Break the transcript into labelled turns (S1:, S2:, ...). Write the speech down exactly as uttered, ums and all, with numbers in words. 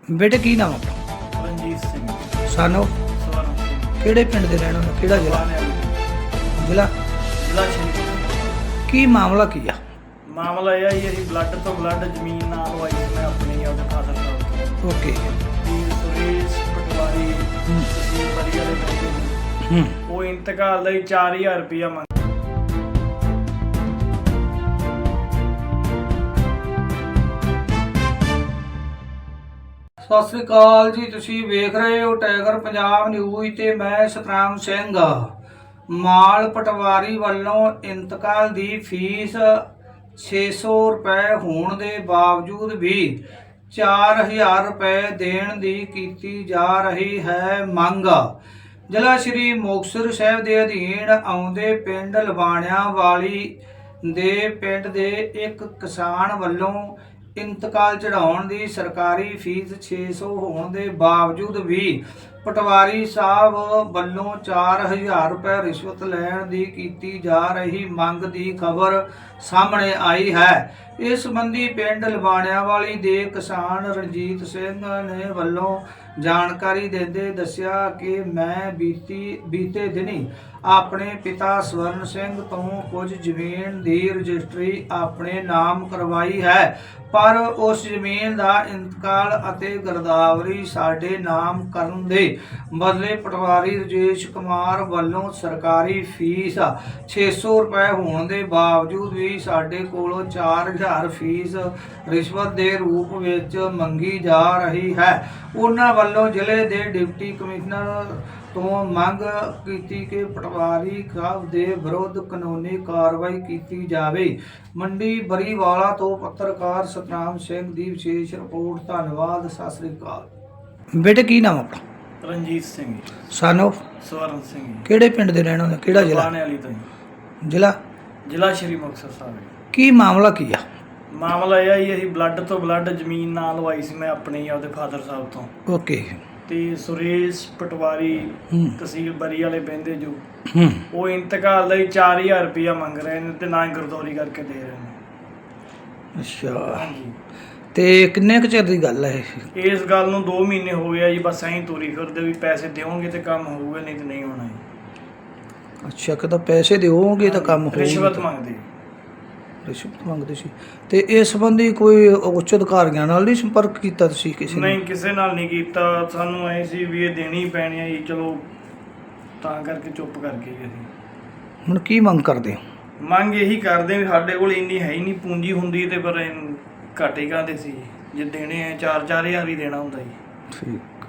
S1: ਬੇਟੇ ਕੀ ਨਾਮ ਆਪਣਾ?
S2: ਰਣਜੀਤ ਸਿੰਘ
S1: ਸਾਨੂੰ
S2: ਸਵਰਨ ਸਿੰਘ
S1: ਕਿਹੜੇ ਪਿੰਡ ਦੇ ਰਹਿਣ ਵਾਲੇ, ਕਿਹੜਾ ਜ਼ਿਲ੍ਹਾ?
S2: ਬਾਣੇ ਵਾਲੀ
S1: ਜ਼ਿਲ੍ਹਾ
S2: ਜ਼ਿਲ੍ਹਾ ਸ਼੍ਰੀ
S1: ਕੀ ਮਾਮਲਾ ਕੀ ਆ?
S2: ਮਾਮਲਾ ਇਹ ਆ ਜੀ, ਅਸੀਂ ਬਲੱਡ ਤੋਂ ਬਲੱਡ ਜ਼ਮੀਨ ਨਾਲ ਲਵਾਈ ਸੀ ਮੈਂ ਆਪਣੀ ਉਹਦੇ ਫਾਦਰ ਸਾਹਿਬ ਤੋਂ
S1: ਓਕੇ।
S2: ਵੀ ਸੁਰੇਸ਼ ਪਟਵਾਰੀ
S1: ਹੂੰ
S2: ਤਹਿਸੀਲ ਬਰੀ ਵਾਲੇ ਬੰਦੇ ਨੂੰ।
S1: ਹੂੰ
S2: ਉਹ ਇੰਤਕਾਲ ਦਾ ਹੀ ਚਾਰ ਹਜ਼ਾਰ ਰੁਪਇਆ ਮੰਗ
S1: ਸਤਿ ਸ੍ਰੀ ਅਕਾਲ ਜੀ, ਤੁਸੀਂ ਵੇਖ ਰਹੇ ਹੋ ਟਾਈਗਰ ਪੰਜਾਬ ਨਿਊਜ਼ ਤੇ ਮੈਂ ਸਤਨਾਮ ਸਿੰਘ। ਮਾਲ ਪਟਵਾਰੀ ਵੱਲੋਂ ਇੰਤਕਾਲ ਦੀ ਫੀਸ ਛੇ ਸੌ ਰੁਪਏ ਹੋਣ ਦੇ ਬਾਵਜੂਦ ਵੀ ਚਾਰ ਹਜ਼ਾਰ ਰੁਪਏ ਦੇਣ ਦੀ ਕੀਤੀ ਜਾ ਰਹੀ ਹੈ ਮੰਗ। ਜ਼ਿਲ੍ਹਾ ਸ਼੍ਰੀ ਮੁਕਤਸਰ ਸਾਹਿਬ ਦੇ ਅਧੀਨ ਆਉਂਦੇ ਪਿੰਡ ਲਵਾਣਿਆਂ ਵਾਲੀ ਦੇ ਪਿੰਡ ਦੇ ਇੱਕ ਕਿਸਾਨ ਵੱਲੋਂ ਇੰਤਕਾਲ ਚੜਾਉਣ ਦੀ ਸਰਕਾਰੀ ਫੀਸ ਛੇ ਸੌ ਹੋਣ ਦੇ ਬਾਵਜੂਦ ਵੀ ਪਟਵਾਰੀ ਸਾਹਿਬ ਵੱਲੋਂ ਚਾਰ ਹਜ਼ਾਰ ਰੁਪਏ ਰਿਸ਼ਵਤ ਲੈਣ ਦੀ ਕੀਤੀ ਜਾ ਰਹੀ ਮੰਗ ਦੀ ਖਬਰ ਸਾਹਮਣੇ ਆਈ ਹੈ। ਇਸ ਸੰਬੰਧੀ ਪਿੰਡ ਲਵਾਣਿਆਂ ਵਾਲੀ ਦੇ ਕਿਸਾਨ ਰਣਜੀਤ ਸਿੰਘ ਨੇ ਵੱਲੋਂ ਜਾਣਕਾਰੀ ਦਿੰਦੇ ਦੱਸਿਆ ਕਿ ਮੈਂ ਬੀਤੀ ਬੀਤੇ ਦਿਨੀ ਆਪਣੇ ਪਿਤਾ ਸਵਰਨ ਸਿੰਘ ਤੋਂ ਕੁਝ ਜ਼ਮੀਨ ਦੀ ਰਜਿਸਟਰੀ ਆਪਣੇ ਨਾਮ ਕਰਵਾਈ ਹੈ, ਪਰ ਉਸ ਜ਼ਮੀਨ ਦਾ ਇੰਤਕਾਲ ਅਤੇ ਗਿਰਦਾਵਰੀ ਸਾਡੇ ਨਾਮ ਕਰਨ ਦੇ ਬਦਲੇ ਪਟਵਾਰੀ ਰਜੇਸ਼ ਕੁਮਾਰ ਵੱਲੋਂ ਸਰਕਾਰੀ ਫੀਸ ਛੇ ਸੌ ਰੁਪਏ ਹੋਣ ਦੇ ਬਾਵਜੂਦ ਵੀ ਸਾਡੇ ਕੋਲੋਂ ਚਾਰ ਹਜ਼ਾਰ ਫੀਸ ਰਿਸ਼ਵਤ ਦੇ ਰੂਪ ਵਿੱਚ ਮੰਗੀ ਜਾ ਰਹੀ ਹੈ। ਉਹਨਾਂ ਵੱਲੋਂ ਜ਼ਿਲ੍ਹੇ ਦੇ ਡਿਪਟੀ ਕਮਿਸ਼ਨਰ ਤੋਂ ਮੰਗ ਕੀਤੀ ਕਿ ਪਟਵਾਰੀ ਸਾਹਿਬ ਦੇ ਵਿਰੁੱਧ ਕਾਨੂੰਨੀ ਕਾਰਵਾਈ ਕੀਤੀ ਜਾਵੇ। ਮੰਡੀ ਬਰੀਵਾਲਾ ਤੋਂ ਪੱਤਰਕਾਰ ਸਤਨਾਮ ਸਿੰਘ ਦੀ ਵਿਸ਼ੇਸ਼ ਰਿਪੋਰਟ। ਧੰਨਵਾਦ। ਸਤਿ ਸ੍ਰੀ ਅਕਾਲ। ਬੇਟੇ ਕੀ ਨਾਮ ਆਪਣਾ?
S2: ਰਣਜੀਤ ਸਿੰਘ
S1: ਸਾਨੂੰ
S2: ਸਵਰਨ ਸਿੰਘ
S1: ਕਿਹੜੇ ਪਿੰਡ ਦੇ ਰਹਿਣ ਵਾਲੇ, ਕਿਹੜਾ ਜ਼ਿਲ੍ਹਾ?
S2: ਬਾਣੇ ਵਾਲੀ ਤੋਂ ਜੀ।
S1: ਜ਼ਿਲ੍ਹਾ
S2: ਜ਼ਿਲ੍ਹਾ ਸ਼੍ਰੀ ਮੁਕਤਸਰ ਸਾਹਿਬ।
S1: ਕੀ ਮਾਮਲਾ ਕੀ ਆ?
S2: ਮਾਮਲਾ ਇਹ ਆ ਜੀ, ਅਸੀਂ ਬਲੱਡ ਤੋਂ ਬਲੱਡ ਜ਼ਮੀਨ ਨਾਲ ਲਵਾਈ ਸੀ ਮੈਂ ਆਪਣੀ ਉਹਦੇ ਫਾਦਰ ਸਾਹਿਬ ਤੋਂ।
S1: ਓਕੇ।
S2: ਤੇ ਸੁਰੇਸ਼ ਪਟਵਾਰੀ
S1: ਹੂੰ
S2: ਤਹਿਸੀਲ ਬਰੀ ਵਾਲੇ ਬੰਦੇ ਜੋ
S1: ਹੂੰ
S2: ਉਹ ਇੰਤਕਾਲ ਦਾ ਹੀ ਚਾਰ ਹਜ਼ਾਰ ਰੁਪਇਆ ਮੰਗ ਰਹੇ ਨੇ ਤੇ ਨਾ ਹੀ ਗਰਦੌਰੀ ਕਰਕੇ ਦੇ ਰਹੇ ਨੇ।
S1: ਅੱਛਾ,
S2: ਹਾਂਜੀ,
S1: ਤੇ ਕਿੰਨੇ ਕੁ ਚਿਰ ਦੀ ਗੱਲ ਹੈ ਇਹ?
S2: ਇਸ ਗੱਲ ਨੂੰ ਦੋ ਮਹੀਨੇ ਹੋ ਗਏ ਆ ਜੀ, ਬਸ ਐਂ ਤੋਰੀ ਫਿਰਦੇ ਵੀ ਪੈਸੇ ਦਿਓਗੇ ਤੇ ਕੰਮ ਹੋਊਗਾ, ਨਹੀਂ ਤੇ ਨਹੀਂ ਹੋਣਾ ਜੀ।
S1: ਅੱਛਾ, ਕਦੋਂ ਪੈਸੇ ਦਿਓਗੇ ਤਾਂ ਕੰਮ ਹੋਊਗਾ?
S2: ਰਿਸ਼ਵਤ ਮੰਗਦੇ।
S1: ਰਿਸ਼ਵਤ ਮੰਗਦੇ ਸੀ। ਤੇ ਇਸ ਸੰਬੰਧੀ ਕੋਈ ਉੱਚ ਅਧਿਕਾਰੀਆਂ ਨਾਲ ਨਹੀਂ ਸੰਪਰਕ ਕੀਤਾ ਤੁਸੀਂ ਕਿਸੇ ਨੇ?
S2: ਨਹੀਂ, ਕਿਸੇ ਨਾਲ ਨਹੀਂ ਕੀਤਾ। ਸਾਨੂੰ ਐ ਸੀ ਵੀ ਇਹ ਦੇਣੀ ਪੈਣੀ ਆ ਜੀ, ਚਲੋ ਤਾਂ ਕਰਕੇ ਚੁੱਪ ਕਰ ਗਏ ਜੀ ਅਸੀਂ।
S1: ਹੁਣ ਕੀ ਮੰਗ ਕਰਦੇ ਹੋ?
S2: ਮੰਗ ਇਹੀ ਕਰਦੇ ਵੀ ਸਾਡੇ ਕੋਲ ਇੰਨੀ ਹੈ ਹੀ ਨਹੀਂ ਪੂੰਜੀ ਹੁੰਦੀ ਤੇ ਪਰ ਇਹਨੂੰ ਘਾਟੇ ਕਾਹਦੇ ਸੀ, ਜੇ ਦੇਣੇ ਆ ਚਾਰ ਚਾਰ ਹਜ਼ਾਰ ਹੀ ਦੇਣਾ ਹੁੰਦਾ ਜੀ।
S1: ਠੀਕ।